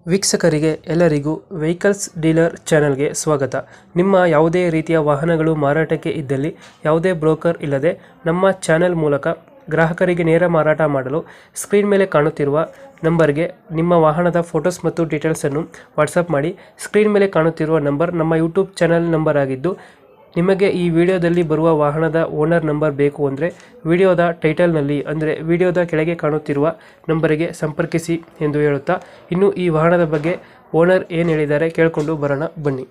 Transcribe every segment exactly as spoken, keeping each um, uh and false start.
ವೀಕ್ಷಕರಿಗೆ ಎಲ್ಲರಿಗೂ vehicles dealer ಚಾನೆಲ್ಗೆ ಸ್ವಾಗತ. ನಿಮ್ಮ ಯಾವುದೇ ರೀತಿಯ ವಾಹನಗಳು ಮಾರಾಟಕ್ಕೆ ಇದ್ದಲ್ಲಿ ಯಾವುದೇ ಬ್ರೋಕರ್ ಇಲ್ಲದೆ ನಮ್ಮ ಚಾನೆಲ್ ಮೂಲಕ ಗ್ರಾಹಕರಿಗೆ ನೇರ ಮಾರಾಟ ಮಾಡಲು ಸ್ಕ್ರೀನ್ ಮೇಲೆ ಕಾಣುತ್ತಿರುವ ನಂಬರ್ಗೆ ನಿಮ್ಮ ವಾಹನದ ಫೋಟೋಸ್ ಮತ್ತು ಡೀಟೇಲ್ಸನ್ನು ವಾಟ್ಸಪ್ ಮಾಡಿ. ಸ್ಕ್ರೀನ್ ಮೇಲೆ ಕಾಣುತ್ತಿರುವ ನಂಬರ್ ನಮ್ಮ ಯೂಟ್ಯೂಬ್ ಚಾನೆಲ್ ನಂಬರ್ ಆಗಿದ್ದು, ನಿಮಗೆ ಈ ವಿಡಿಯೋದಲ್ಲಿ ಬರುವ ವಾಹನದ ಓನರ್ ನಂಬರ್ ಬೇಕು ಅಂದರೆ ವಿಡಿಯೋದ ಟೈಟಲ್ನಲ್ಲಿ ಅಂದರೆ ವಿಡಿಯೋದ ಕೆಳಗೆ ಕಾಣುತ್ತಿರುವ ನಂಬರಿಗೆ ಸಂಪರ್ಕಿಸಿ ಎಂದು ಹೇಳುತ್ತಾ, ಇನ್ನು ಈ ವಾಹನದ ಬಗ್ಗೆ ಓನರ್ ಏನು ಹೇಳಿದ್ದಾರೆ ಕೇಳಿಕೊಂಡು ಬರೋಣ ಬನ್ನಿ.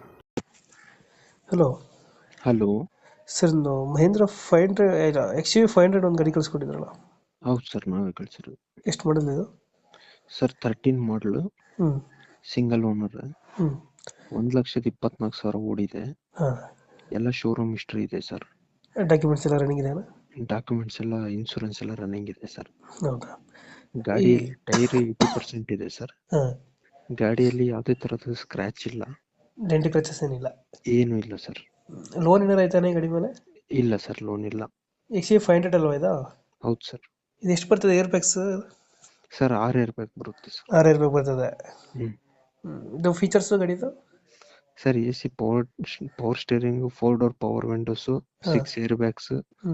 ಹಲೋ ಹಲೋ ಸರ್, ಒಂದು Mahindra five hundred X U five hundred ಒಂದು ಗಾಡಿ ಕಳಿಸ್ಕೊಟ್ಟಿದ್ರಲ್ಲ, ಹೌದು ಸರ್, ನಾವೇ ಕಳಿಸಿರೋದು. ಎಷ್ಟು ಮಾಡಲ್ ಇದು? ಸರ್ ತರ್ಟೀನ್ ಮಾಡಲು, ಹ್ಞೂ ಸಿಂಗಲ್ ಓನರ್, ಹ್ಞೂ ಒಂದು ಲಕ್ಷದ ಇಪ್ಪತ್ನಾಲ್ಕು ಸಾವಿರ ಓಡಿದೆ. ಹಾಂ, ಎಲ್ಲ ಶೋರೂಮ್ ಹಿಸ್ಟ್ರಿ ಇದೆ ಸರ್. ಡಾಕ್ಯುಮೆಂಟ್ಸ್ ಎಲ್ಲ ರನ್ನಿಂಗ್ ಇದೆಯಾ? ಡಾಕ್ಯುಮೆಂಟ್ಸ್ ಎಲ್ಲ, ಇನ್ಶೂರೆನ್ಸ್ ಎಲ್ಲ ರನ್ನಿಂಗ್ ಇದೆ ಸರ್. ಹೌದಾ? ಗಾಡಿಯಲ್ಲಿ ಟೈರ್ ಏಯ್ಟಿ ಪರ್ಸೆಂಟ್ ಇದೆ ಸರ್. ಹಾಂ, ಗಾಡಿಯಲ್ಲಿ ಯಾವುದೇ ಥರದ ಸ್ಕ್ರ್ಯಾಚ್ ಇಲ್ಲ, ಡೆಂಟಿ ಕ್ರಚಸ್ ಏನಿಲ್ಲ? ಏನೂ ಇಲ್ಲ ಸರ್. ಲೋನ್ ಏನಾರು ಆಯ್ತಾನೆ ಗಾಡಿ ಮೇಲೆ? ಇಲ್ಲ ಸರ್, ಲೋನ್ ಇಲ್ಲ. ಎಕ್ಸ್ ಯು ಫೈವ್ ಹಂಡ್ರೆಡ್ ಅಲ್ವಾ ಇದು? ಹೌದು ಸರ್. ಇದು ಎಷ್ಟು ಬರ್ತದೆ ಏರ್ ಬ್ಯಾಗ್ಸ್? ಸರ್ ಆರು ಏರ್ ಬ್ಯಾಗ್ ಬರುತ್ತೆ ಸರ್. ಆರು ಏರ್ ಬ್ಯಾಗ್ ಬರ್ತದೆ. ಹ್ಞೂ ಇದು ಫೀಚರ್ಸ್ ಗಾಡಿದು? Sir A C, power power steering, four door power windows, six air bags, ಹ್ಞೂ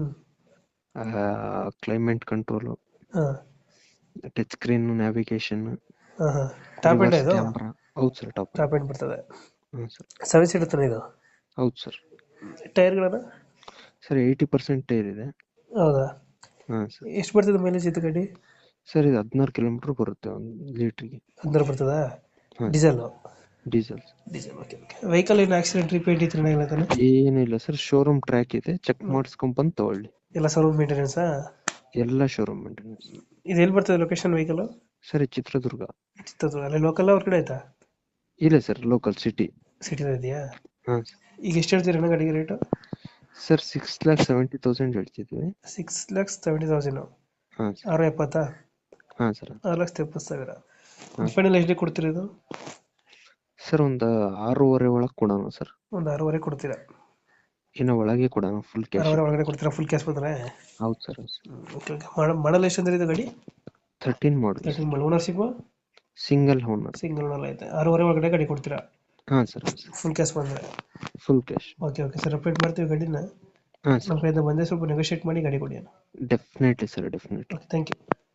ಕ್ಲೈಮೇಟ್ ಕಂಟ್ರೋಲು, ಹಾಂ ಟಚ್ ಸ್ಕ್ರೀನ್, ನ್ಯಾವಿಗೇಷನ್, ಹಾಂ ಹಾಂ ಟಾಪ್ ಎಂಡ್ ಇದು? ಕ್ಯಾಮ್ರಾ. ಹೌದು ಸರ್, ಟಾಪ್ ಟಾಪ್ ಎಂಡ್ ಬರ್ತದೆ. ಹಾಂ ಸರ್. ಸೆವೆನ್ ಸೀಟ್ ತಾನೆ ಇದು? ಹೌದು ಸರ್. ಟೈರ್ಗಳನ್ನ? ಸರ್ ಏಯ್ಟಿ ಪರ್ಸೆಂಟ್ ಟೈರ್ ಇದೆ. ಹೌದಾ? ಹಾಂ ಸರ್. ಎಷ್ಟು ಬರ್ತದೆ ಮೈಲೇಜ್ ಇದು ಗಾಡಿ? ಸರ್ ಇದು ಹದಿನಾರು ಕಿಲೋಮೀಟ್ರ್ ಬರುತ್ತೆ ಒಂದು ಲೀಟ್ರಿಗೆ. ಹದಿನಾರು ಬರ್ತದಾ? ಹಾಂ, diesel? Diesel. Diesel, okay okay. Vehicle ಏನು ಆಕ್ಸಿಡೆಂಟ್ ರಿಪೇಟ್ ಈ ಥರ ಇಲ್ಲ ತಾನೆ? ಏನೂ ಇಲ್ಲ ಸರ್, ಶೋರೂಮ್ ಟ್ರ್ಯಾಕ್ ಇದೆ, ಚೆಕ್ ಮಾಡಿಸ್ಕೊಂಬಂದು ತಗೊಳ್ಳಿ. ಎಲ್ಲ ಸರ್ವಿಸ್ ಮೇಂಟೆನೆನ್ಸಾ? ಎಲ್ಲ ಶೋರೂಮ್ ಮೇಂಟೆನೆನ್ಸ್. ಇದು ಎಲ್ಲಿ ಬರ್ತದೆ ಲೊಕೇಶನ್ ವೆಹಿಕಲ್? ಸರ್ ಇದು ಚಿತ್ರದುರ್ಗ. ಚಿತ್ರದುರ್ಗ. ಅಲ್ಲಿ ಲೋಕಲ್ ಅವ್ರ ಕಡೆ ಆಯ್ತಾ? ಇಲ್ಲ ಸರ್, ಲೋಕಲ್ ಸಿಟಿ. ಸಿಟಿನ ಇದೆಯಾ? ಹಾಂ ಸರ್. ಈಗ ಎಷ್ಟು ಹೇಳ್ತೀರಣ್ಣ ಗಾಡಿಗೆ rate? Sir six lakh seventy thousand ಹೇಳ್ತಿದ್ವಿ. Six lakhs seventy thousand. ಹಾಂ ಸರ್. ಆರು ಎಪ್ಪತ್ತಾ? ಹಾಂ ಸರ್. ಆರು ಲಕ್ಷದ ಎಪ್ಪತ್ತು ಸಾವಿರ. ಹಾಂ. ಫೈನಲ್ ಎಷ್ಟು ಕೊಡ್ತೀರಾ ಇದು? ಸರ್ ಒಂದು ಆರೂವರೆ ಒಳಗೆ ಕೊಡೋಣ ಸರ್. ಒಂದು ಆರೂವರೆ ಕೊಡ್ತೀರಾ? ಇನ್ನು ಒಳಗೆ ಕೊಡೋಣ, ಫುಲ್ ಕ್ಯಾಶ್. ಆರೂವರೆ ಒಳಗಡೆ ಕೊಡ್ತೀರಾ? ಫುಲ್ ಕ್ಯಾಶ್ ಬಂದರೆ? ಹೌದು ಸರ್. Okay okay. ಮಾಡಲ್ ಎಷ್ಟು ಅಂದ್ರೆ ಇದು ಗಾಡಿ? Thirteen model. Thirteen model. Ownership? Single owner. Single owner ಐತೆ. ಆರೂವರೆ ಒಳಗಡೆ ಗಾಡಿ ಕೊಡ್ತೀರಾ? ಹಾಂ ಸರ್. ಫುಲ್ ಕ್ಯಾಶ್ ಬಂದರೆ? Full cash. Okay okay sir, update ಮಾಡ್ತೀವಿ ಗಾಡಿನ. ಹಾಂ ನಮ್ಮ ಸರ್. ಕಡೆಯಿಂದ ಬಂದರೆ ಸ್ವಲ್ಪ ನೆಗೋಷಿಯೇಟ್ ಮಾಡಿ ಗಾಡಿ ಕೊಡಿ. Definitely sir, definitely. Okay, thank you.